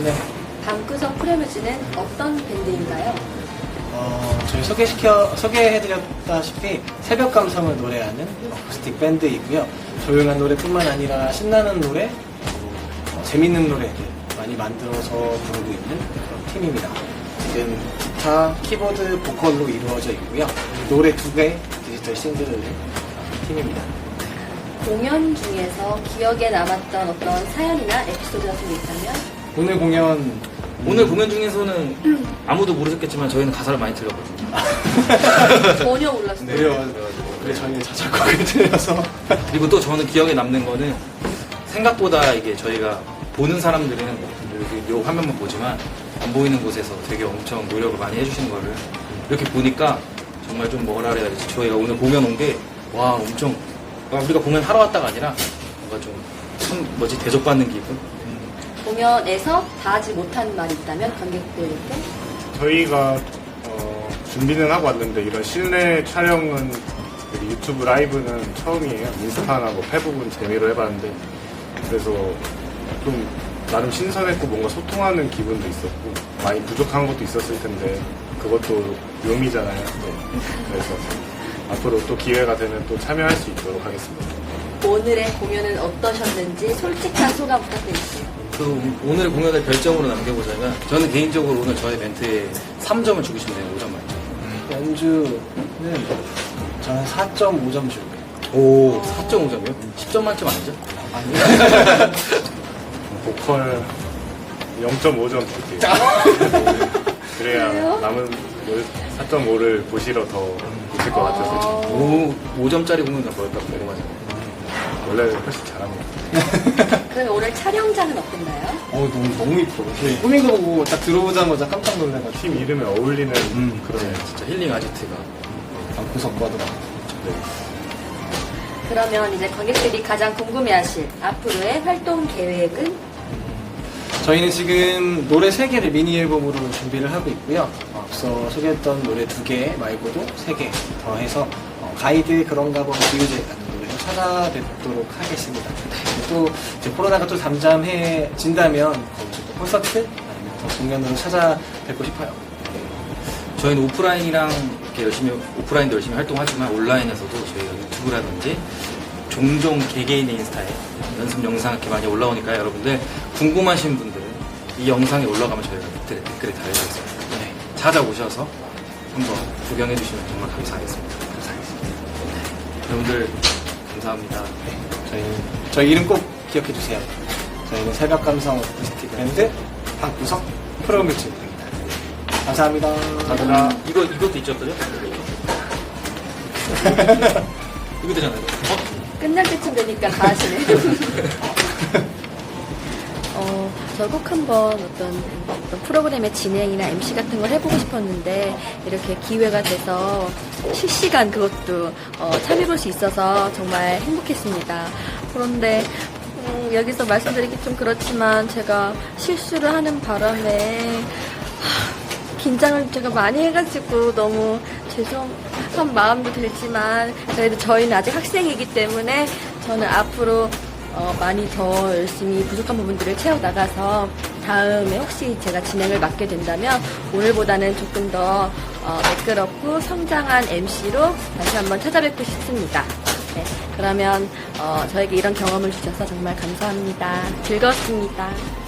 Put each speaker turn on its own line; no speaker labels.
네.
방구석 프레뮤즈는 어떤 밴드인가요?
저희 소개해드렸다시피 새벽 감성을 노래하는 어쿠스틱 밴드이고요. 조용한 노래뿐만 아니라 신나는 노래, 재밌는 노래들 많이 만들어서 부르고 있는 그런 팀입니다. 지금 기타, 키보드, 보컬로 이루어져 있고요. 노래 2개, 디지털 싱글을 낸 팀입니다.
공연 중에서 기억에 남았던 어떤 사연이나 에피소드 같은 게 있다면?
오늘 공연 중에서는 아무도 모르셨겠지만 저희는 가사를 많이 틀렸거든요.
전혀 몰랐어요.
네.
그래 저희는 자작곡을 들려서
그리고 또 저는 기억에 남는 거는 생각보다 이게 저희가 보는 사람들은 이렇게 요 화면만 보지만 안 보이는 곳에서 되게 엄청 노력을 많이 해주시는 거를 이렇게 보니까 정말 좀 뭐라 그래야 되지? 저희가 오늘 공연 온 게 와 엄청 우리가 공연 하러 왔다가 아니라 뭔가 좀 대접받는 기분?
공연에서 다 하지 못한 말이 있다면 관객들에게?
저희가 준비는 하고 왔는데 이런 실내 촬영은 유튜브 라이브는 처음이에요. 인스타나 뭐 페북은 재미로 해봤는데 그래서 좀 나름 신선했고 뭔가 소통하는 기분도 있었고 많이 부족한 것도 있었을 텐데 그것도 묘미잖아요. 네. 그래서 앞으로 또 기회가 되면 또 참여할 수 있도록 하겠습니다.
오늘의 공연은 어떠셨는지 솔직한 소감 부탁드릴게요.
오늘 공연을 별점으로 남겨보자면 저는 개인적으로 오늘 저의 멘트에 3점을 주고 싶네요. 5점 만점.
연주는 저는 4.5점 줄게요.
오 4.5점이요? 10점 만점 아니죠?
아니요.
보컬 0.5점 줄게요. 그래야
그래요?
남은 4.5를 보시러 더 보실 것 같아서
5점짜리 공연 나볼까 궁금하죠.
원래 훨씬 잘합니다.
그러면 오늘 촬영장은 어땠나요?
너무 이뻐. 꾸민 거 보고 딱 들어오자마자 깜짝 놀래가지고
팀 이름에 어울리는 그런
진짜 힐링 아지트가
방구석 봐도 막.
그러면 이제 관객들이 가장 궁금해하실 앞으로의 활동 계획은?
저희는 지금 노래 3개를 미니 앨범으로 준비를 하고 있고요. 앞서 소개했던 노래 2개 말고도 3개 더해서 가이드 그런가 봐 비유제 같은 노래를 찾아뵙도록 하겠습니다. 또 이제 코로나가 또 잠잠해진다면 거기서 또 콘서트 아니면 더 공연으로 찾아뵙고 싶어요.
저희는 오프라인이랑 이렇게 오프라인도 열심히 활동하지만 온라인에서도 저희가 유튜브라든지 종종 개개인의 인스타에 연습 영상 이렇게 많이 올라오니까요. 여러분들 궁금하신 분들은 이 영상이 올라가면 저희가 댓글에 달려있습니다. 네, 찾아오셔서 한번 구경해 주시면 정말 감사하겠습니다. 여러분들 감사합니다.
저희 이름 꼭 기억해 주세요. 저희는 새벽 감성 어쿠스틱 밴드 방구석 프로뮤즈입니다. 감사합니다.
감사합니다.
이것도 있죠, 그죠? 이거 되잖아요.
끝날 때쯤 되니까 다 하시네. 저 꼭 한번 어떤 프로그램의 진행이나 MC 같은 걸 해보고 싶었는데 이렇게 기회가 돼서 실시간 그것도 참여해볼 수 있어서 정말 행복했습니다. 그런데 여기서 말씀드리기 좀 그렇지만 제가 실수를 하는 바람에 긴장을 제가 많이 해가지고 너무 죄송한 마음도 들지만 그래도 저희는 아직 학생이기 때문에 저는 앞으로 많이 더 열심히 부족한 부분들을 채워나가서 다음에 혹시 제가 진행을 맡게 된다면 오늘보다는 조금 더 매끄럽고 성장한 MC로 다시 한번 찾아뵙고 싶습니다. 네, 그러면 저에게 이런 경험을 주셔서 정말 감사합니다. 즐거웠습니다.